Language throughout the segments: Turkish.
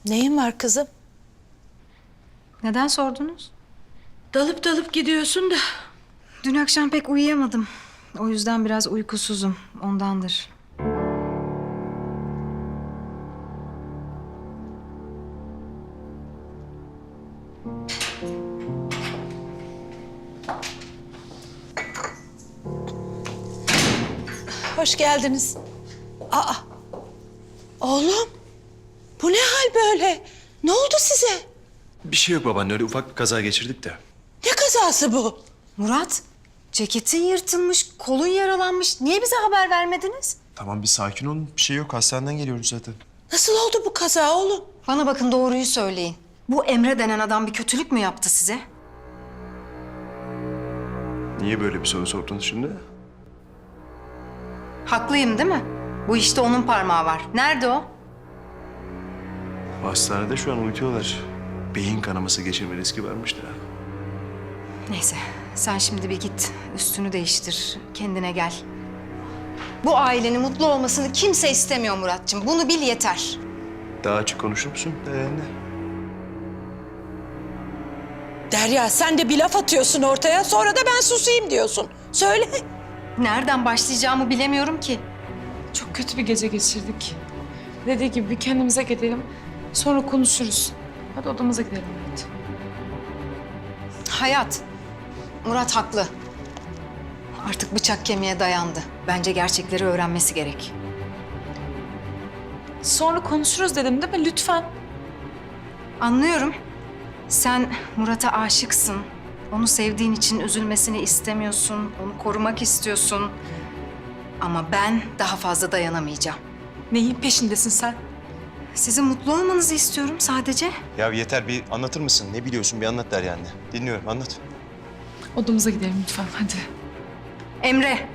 Neyin var kızım? Neden sordunuz? Dalıp dalıp gidiyorsun da. Dün akşam pek uyuyamadım. O yüzden biraz uykusuzum. Ondandır. Hoş geldiniz. Aa, oğlum. Bu ne hal böyle? Ne oldu size? Bir şey yok babaanne, öyle ufak bir kaza geçirdik de. Ne kazası bu? Murat, ceketin yırtılmış, kolun yaralanmış. Niye bize haber vermediniz? Tamam bir sakin olun, bir şey yok. Hastaneden geliyoruz zaten. Nasıl oldu bu kaza oğlum? Bana bakın, doğruyu söyleyin. Bu Emre denen adam bir kötülük mü yaptı size? Niye böyle bir soru sordunuz şimdi? Haklıyım değil mi? Bu işte onun parmağı var. Nerede o? Hastanede şu an uyutuyorlar. Beyin kanaması geçirme riski varmış da. Neyse, sen şimdi bir git. Üstünü değiştir, kendine gel. Bu ailenin mutlu olmasını kimse istemiyor Muratcığım. Bunu bil yeter. Daha açık konuşur musun anne? Derya sen de bir laf atıyorsun ortaya, sonra da ben susayım diyorsun. Söyle. Nereden başlayacağımı bilemiyorum ki. Çok kötü bir gece geçirdik. Dediği gibi bir kendimize gidelim. Sonra konuşuruz. Hadi odamıza gidelim. Hadi. Hayat, Murat haklı. Artık bıçak kemiğe dayandı. Bence gerçekleri öğrenmesi gerek. Sonra konuşuruz dedim değil mi? Lütfen. Anlıyorum. Sen Murat'a aşıksın. Onu sevdiğin için üzülmesini istemiyorsun. Onu korumak istiyorsun. Ama ben daha fazla dayanamayacağım. Neyin peşindesin sen? Sizin mutlu olmanızı istiyorum sadece. Ya yeter, bir anlatır mısın? Ne biliyorsun, bir anlat der anne. Dinliyorum, anlat. Odamıza gidelim lütfen. Hadi. Emre.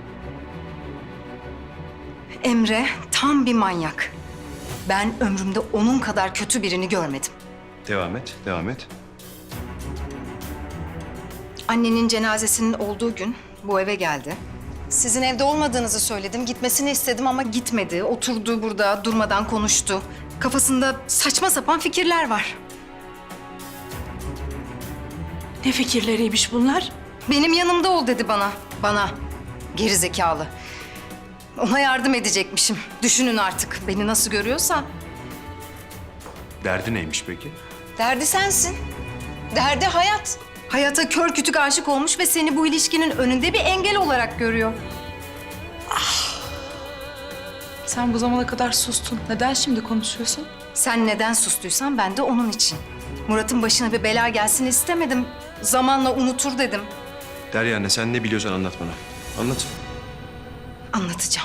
Emre tam bir manyak. Ben ömrümde onun kadar kötü birini görmedim. Devam et, devam et. Annenin cenazesinin olduğu gün bu eve geldi. Sizin evde olmadığınızı söyledim. Gitmesini istedim ama gitmedi. Oturdu burada, durmadan konuştu. Kafasında saçma sapan fikirler var. Ne fikirleriymiş bunlar? Benim yanımda ol dedi bana. Bana. Geri zekalı. Ona yardım edecekmişim. Düşünün artık. Beni nasıl görüyorsa. Derdi neymiş peki? Derdi sensin. Derdi hayat. Hayata kör kütük aşık olmuş ve seni bu ilişkinin önünde bir engel olarak görüyor. Sen bu zamana kadar sustun. Neden şimdi konuşuyorsun? Sen neden sustuysan ben de onun için. Murat'ın başına bir bela gelsin istemedim. Zamanla unutur dedim. Derya anne, sen ne biliyorsan anlat bana. Anlat. Anlatacağım.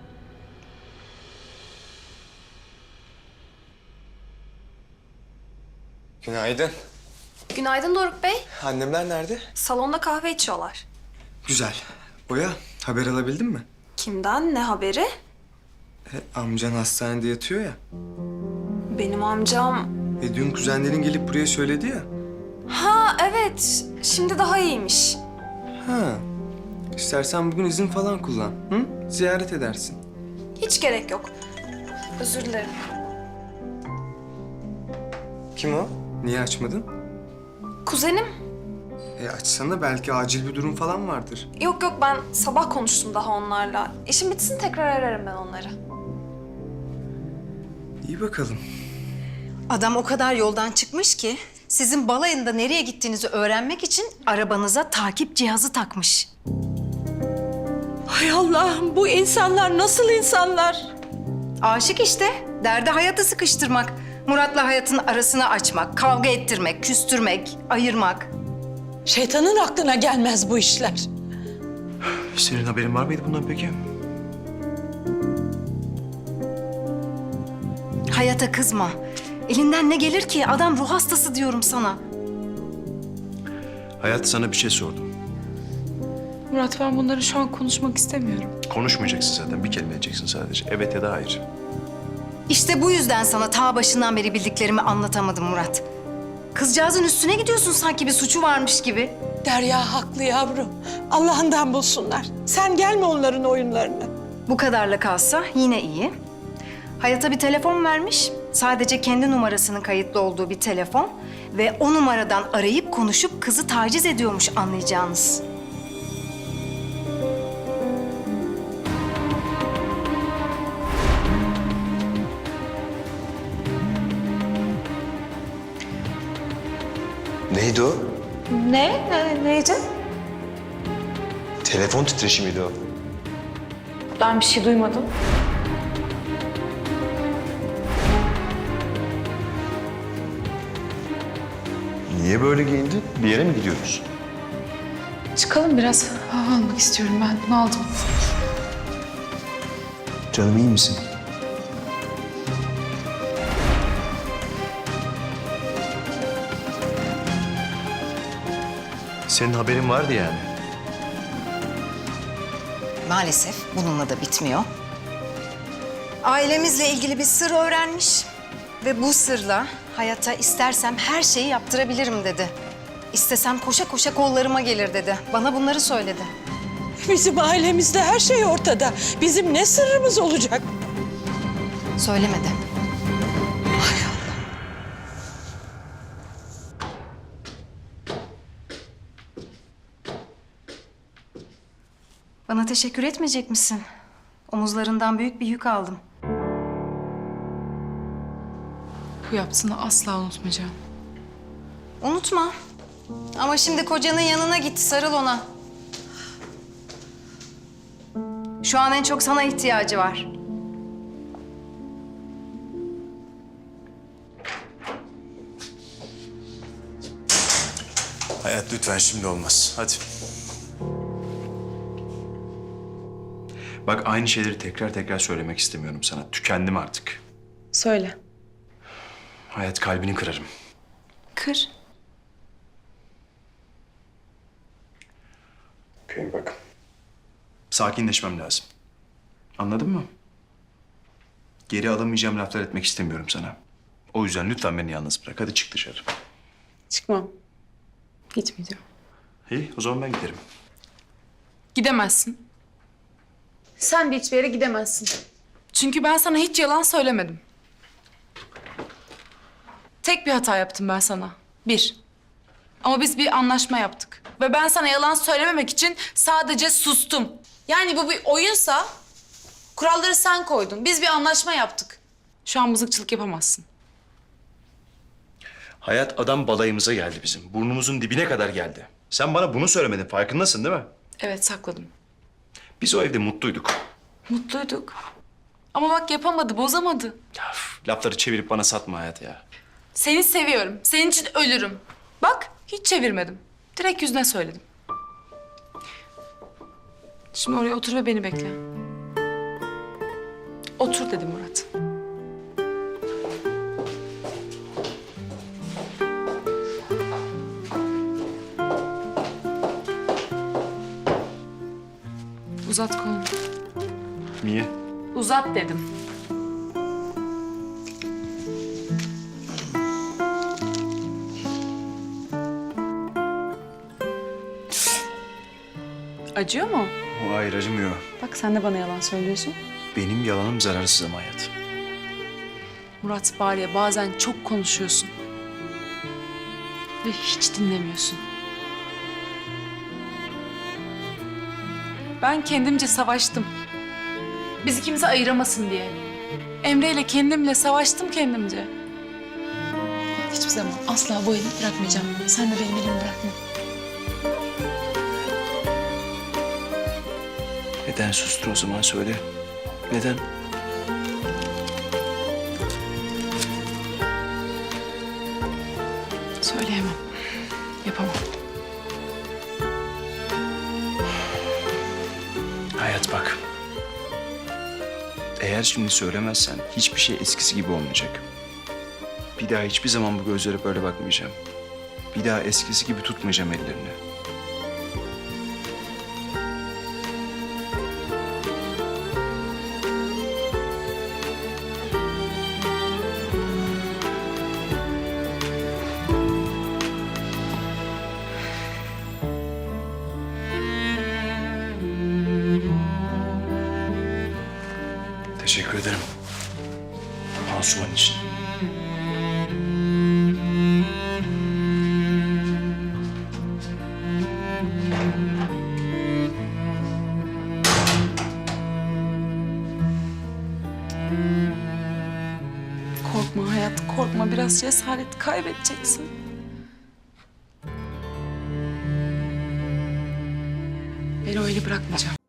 Günaydın. Günaydın Doruk Bey. Annemler nerede? Salonda kahve içiyorlar. Güzel. Oya, haber alabildin mi? Kimden? Ne haberi? Amcan hastanede yatıyor ya. Benim amcam... Dün kuzenlerin gelip buraya söyledi ya. Ha evet. Şimdi daha iyiymiş. Ha. İstersen bugün izin falan kullan. Hı? Ziyaret edersin. Hiç gerek yok. Özür dilerim. Kim o? Niye açmadın? Kuzenim? Açsana, belki acil bir durum falan vardır. Yok yok, ben sabah konuştum daha onlarla. İşim bitsin tekrar ararım ben onları. İyi bakalım. Adam o kadar yoldan çıkmış ki sizin balayında nereye gittiğinizi öğrenmek için arabanıza takip cihazı takmış. Hay Allah'ım, bu insanlar nasıl insanlar? Aşık işte. Derdi hayatı sıkıştırmak. Murat'la hayatın arasını açmak, kavga ettirmek, küstürmek, ayırmak. Şeytanın aklına gelmez bu işler. Senin haberin var mıydı bundan peki? Hayata kızma. Elinden ne gelir ki? Adam ruh hastası diyorum sana. Hayat, sana bir şey sordum. Murat, ben bunları şu an konuşmak istemiyorum. Konuşmayacaksın zaten, bir kelime edeceksin sadece. Evet ya da hayır. İşte bu yüzden sana ta başından beri bildiklerimi anlatamadım Murat. Kızcağızın üstüne gidiyorsun sanki bir suçu varmış gibi. Derya haklı yavrum. Allah'ından bulsunlar. Sen gelme onların oyunlarına. Bu kadarla kalsa yine iyi. Hayata bir telefon vermiş. Sadece kendi numarasının kayıtlı olduğu bir telefon ve o numaradan arayıp konuşup kızı taciz ediyormuş anlayacağınız. Neydi o? Neydi? Telefon titreşimiydi o. Ben bir şey duymadım. Niye böyle giyindin? Bir yere mi gidiyoruz? Çıkalım biraz. Hava almak istiyorum ben. Bunu aldım. Canım iyi misin? Senin haberin vardı yani. Maalesef bununla da bitmiyor. Ailemizle ilgili bir sır öğrenmiş ve bu sırla hayata istersem her şeyi yaptırabilirim dedi. İstesem koşa koşa kollarıma gelir dedi. Bana bunları söyledi. Bizim ailemizde her şey ortada. Bizim ne sırrımız olacak? Söylemedi. Bana teşekkür etmeyecek misin? Omuzlarından büyük bir yük aldım. Bu yaptığını asla unutmayacağım. Unutma. Ama şimdi kocanın yanına git, sarıl ona. Şu an en çok sana ihtiyacı var. Hayat lütfen şimdi olmaz. Hadi. Bak aynı şeyleri tekrar tekrar söylemek istemiyorum sana. Tükendim artık. Söyle. Hayat kalbini kırarım. Kır. Okey bak. Sakinleşmem lazım. Anladın mı? Geri alamayacağım laflar etmek istemiyorum sana. O yüzden lütfen beni yalnız bırak. Hadi çık dışarı. Çıkmam. Gitmeyeceğim. İyi o zaman ben giderim. Gidemezsin. Sen de hiçbir yere gidemezsin. Çünkü ben sana hiç yalan söylemedim. Tek bir hata yaptım ben sana. Bir. Ama biz bir anlaşma yaptık. Ve ben sana yalan söylememek için sadece sustum. Yani bu bir oyunsa kuralları sen koydun. Biz bir anlaşma yaptık. Şu an mızıkçılık yapamazsın. Hayat adam balayımıza geldi bizim. Burnumuzun dibine kadar geldi. Sen bana bunu söylemedin. Farkındasın değil mi? Evet, sakladım. Biz o evde mutluyduk. Mutluyduk. Ama bak yapamadı, bozamadı. Ya, lafları çevirip bana satma Hayat ya. Seni seviyorum. Senin için ölürüm. Bak, hiç çevirmedim. Direkt yüzüne söyledim. Şimdi oraya otur ve beni bekle. Otur dedim Murat. Uzat kolunu. Niye? Uzat dedim. Acıyor mu? O hayır acımıyor. Bak sen de bana yalan söylüyorsun. Benim yalanım zararsız ama Hayat. Murat var ya bazen çok konuşuyorsun. Ve hiç dinlemiyorsun. Ben kendimce savaştım. Bizi kimse ayıramasın diye. Emre ile kendimle savaştım kendimce. Hiçbir zaman asla bu eli bırakmayacağım. Sen de benim elimi bırakma. Neden sustun o zaman söyle. Neden? Söyleyemem. Yapamam. Hayat bak. Eğer şimdi söylemezsen hiçbir şey eskisi gibi olmayacak. Bir daha hiçbir zaman bu gözlere böyle bakmayacağım. Bir daha eskisi gibi tutmayacağım ellerini. Teşekkür ederim. Pansuman için. Korkma hayat, korkma. Biraz cesaret kaybedeceksin. Beni öyle bırakmayacağım.